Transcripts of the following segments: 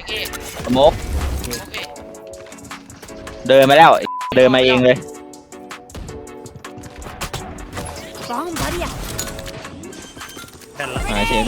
เอสโมกเดินมาแล้วเดินมาเองเลย Bomb buddy out. มาเชน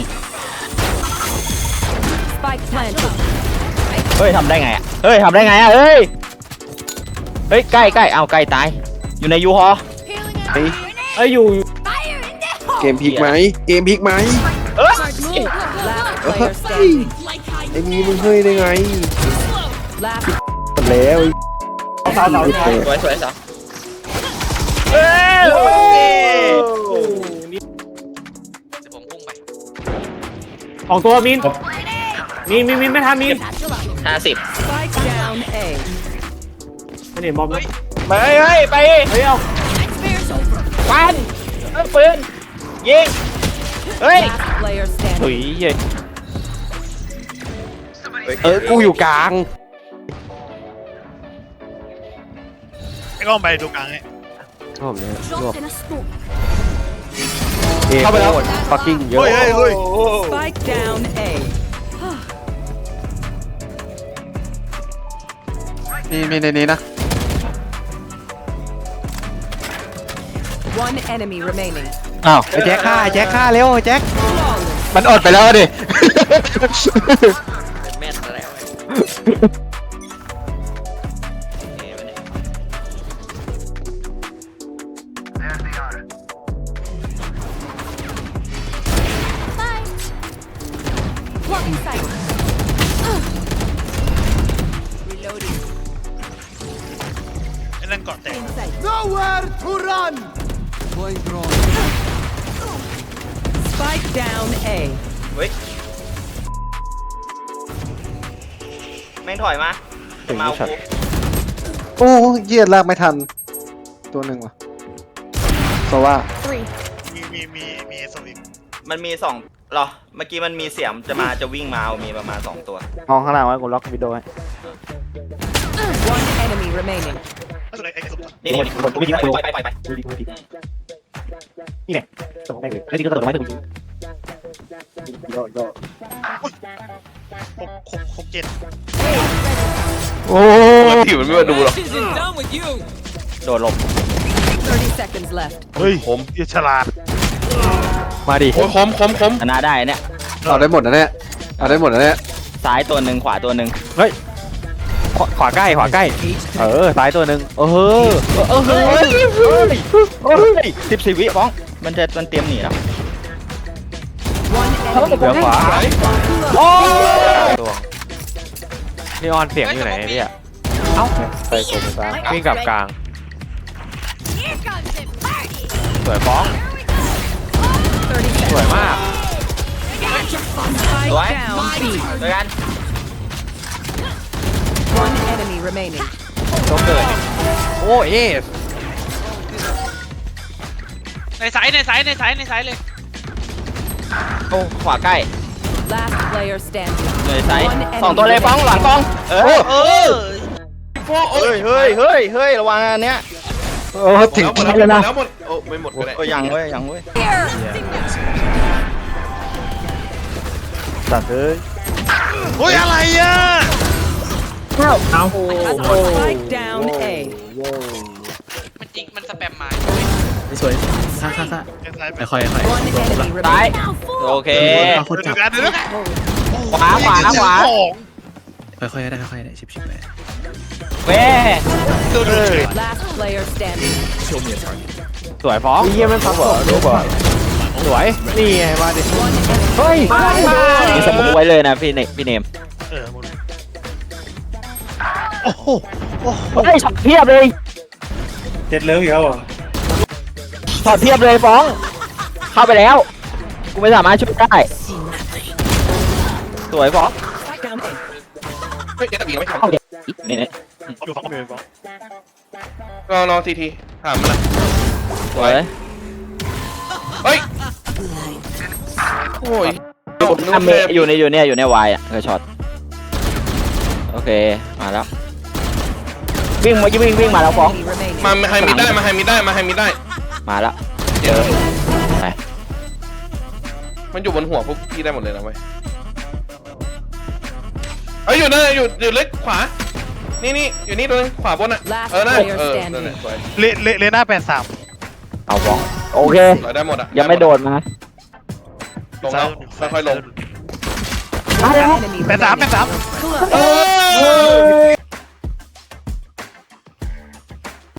Spike planted. เฮ้ยทำได้ไงอ่ะเฮ้ยทำได้ไงอ่ะเฮ้ยเฮ้ยใกล้เอาใกล้ตายอยู่ในยูฮอไอ้เอ้ยอยู่ Fire in the hole. เกมพลิกไหมเกมพลิกไหมเอ้ย Last player standing. ไอ้มีมึงเฮ้ยได้ไง Last หมดแล้วสวยสวยสาวเอ้ยเดี๋ยวผมพุ่งไปออกตัวมินไม่ทันมิน 50 spike down A. ไม่เห็นบอมนะไปเฮ้ยไปเฮ้ยเอาควันปืนยิงเฮ้ย Last player ถุย standing. เย้ยกูอยู่กลางไอ้กล้องไปดูกลางไงชอบเลยชอบ Dropped in a smoke. เข้าไปแล้วฟักกิ้งเยอะเฮ้ย Spike down A. มีในนี้นะ One enemy remaining. อ้าวไอ้แจ็คฆ่าเร็วไอ้แจ็ค Flawless. มันอดไปแล้วดิเป็นแม่นแล้ว Blocking sight. Reloading. ไอ้นั่นเกาะแตก Inside. Nowhere to run! Spike down A. เฮ้ยแม่งถอยมาจะมาเอากูโอ้เยียดลากไม่ทัน ตัวหนึ่งว่ะโซว่า Three. มีสวิงมันมี2หรอเมื่อกี้มันมีเสียมจะวิ่งมาเอามีประมาณ2ตัวมองข้างล่างไว้กูล็อกวิดีโอให้ One enemy remaining. ไอ้สุดนี่ไปนี่แหละตกได้เลยแล้วจริงก็ตกไม่ถึงหกเจ็ดโอ้ที่มันไม่มาดูหรอก Isn't done with you. โดดหลบ 30 seconds left. เฮ้ยผมเหี้ยฉลาดมาดิโอ้ยคมชนะได้เนี่ยเอาได้หมดนะเนี่ยเอาได้หมดนะเนี่ยซ้ายตัวหนึ่งขวาตัวหนึ่งขวาใกล้ซ้ายตัวหนึ่งเฮ้ย 14 วิบ้องมันเตรียมหนีแล้ว One enemy เหลือขวา remaining. ตัวนีออนเสียงอยู่ไหนเนี่ยเอ้าไปกดซ้ายวิ่งกลับกลาง Here comes the party. สวยฟ้อง 30 สวย seconds. มาก Spike What? down B. ด้วยกัน One enemy remaining. ต้องเกิดโอ้เอสในสายเลยโอ้ขวาใกล้ Last player standing. เลยซ้าย One enemy 2ตัวเลยฟ้องหลังฟ้องเฮ้ยๆเฮ้ยระวังอันเนี้ยถึงหมดที่แล้วนะหมดโอ้ไม่หมดก็ได้ก็ยังเว้ย Here. สัตว์เอ้ยเฮ้ยอะไรอ่ะเอา Spike down A. มันจริงมันสแปมมาสวยซ่าแค่ซ้ายไปค่อย One enemy ซ้าย remaining. โอเคเอาคนดูจับกันดูกันขวาค่อยๆได้ชิบไปเว้ Last player standing. สวยฟ้องเยี่ยมมันซับเหรอรู้ป่ะสวยนี่ไงมาดิ One enemy. เฮ้ยนี่สมุกไว้เลยนะพี่เนมหมดโอ้โหเฮ้ยช็อตเทียบเลยเจ็ดเลิฟอีกแล้วเหรอช็อตเทียบเลยฟ้อง เข้าไปแล้วกูไม่สามารถช่วยได้สวยฟ้อง Spike down A. เฮ้ยตะกี้ไม่ทันเข้าเด็กนี่อยู่ฝั่งมือฝั่งรอทีถามมันละสวยเฮ้ยโอ้ยอเมอยู่ในวายอ่ะเออช็อตโอเคมาแล้ววิ่งมาแล้วฟ้อง Enemy remaining. มาให้มิดได้มาให้มิดได้มาแล้วเดี๋ยวไปมันอยู่บนหัวพวกพี่ได้หมดเลยนะเว้ยเฮ้ยอยู่นั่นอยู่เล็กขวานี่อยู่นี่ตัวนึงขวาบนอ่ะ Last นั่น player นั่นแหละ standing. สวยเลน่า83 เอาบองโอเคสวยได้หมดอ่ะยังไม่โดดมาลงแล้วค่อยๆลง One enemy 83 remaining. 83 Clutch. เอ้ย